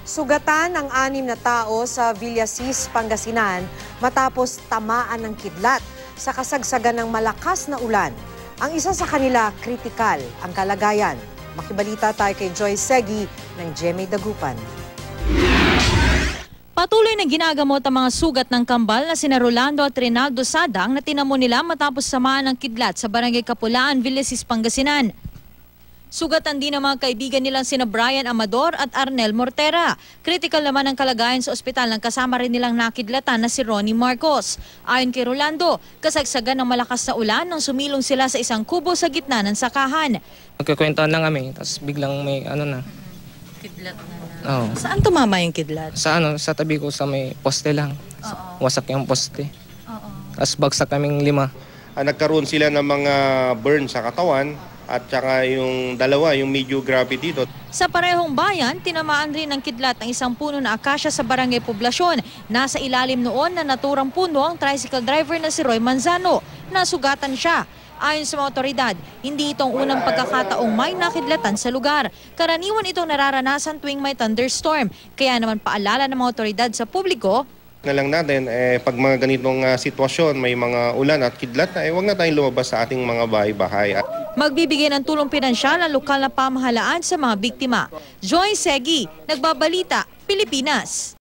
Sugatan ang 6 na tao sa Villasis, Pangasinan matapos tamaan ng kidlat sa kasagsagan ng malakas na ulan. Ang isa sa kanila, kritikal ang kalagayan. Makibalita tayo kay Joy Segi ng GMA Dagupan. Patuloy na ginagamot ang mga sugat ng kambal na sina Rolando at Rinaldo Sadang na tinamo nila matapos samaan ng kidlat sa Barangay Kapulaan, Villasis, Pangasinan. Sugatan din ang mga kaibigan nilang sina Brian Amador at Arnel Mortera. Critical naman ang kalagayan sa ospital ng kasama rin nilang nakidlatan na si Ronnie Marcos. Ayon kay Rolando, kasagsagan ng malakas na ulan nang sumilong sila sa isang kubo sa gitna ng sakahan. Magkukwentuhan lang kami, tapos biglang may Kidlat na. Oo. Saan tumama yung kidlat? Sa tabi ko sa may poste lang. Wasak yung poste. Tapos bagsak kaming 5. Nagkaroon sila ng mga burn sa katawan at saka yung dalawa, yung medyo grabe dito. Sa parehong bayan, tinamaan rin ng kidlat ang isang puno na akasya sa Barangay Poblasyon. Nasa ilalim noon na naturang puno ang tricycle driver na si Roy Manzano. Nasugatan siya. Ayon sa mga otoridad, hindi itong unang pagkakataong may nakidlatan sa lugar. Karaniwan itong nararanasan tuwing may thunderstorm. Kaya naman paalala ng mga otoridad sa publiko Na lang natin, pag mga ganitong sitwasyon, may mga ulan at kidlat, huwag na tayong lumabas sa ating mga bahay-bahay. magbibigay ng tulong pinansyal ang lokal na pamahalaan sa mga biktima. Joy Segi, Nagbabalita, Pilipinas.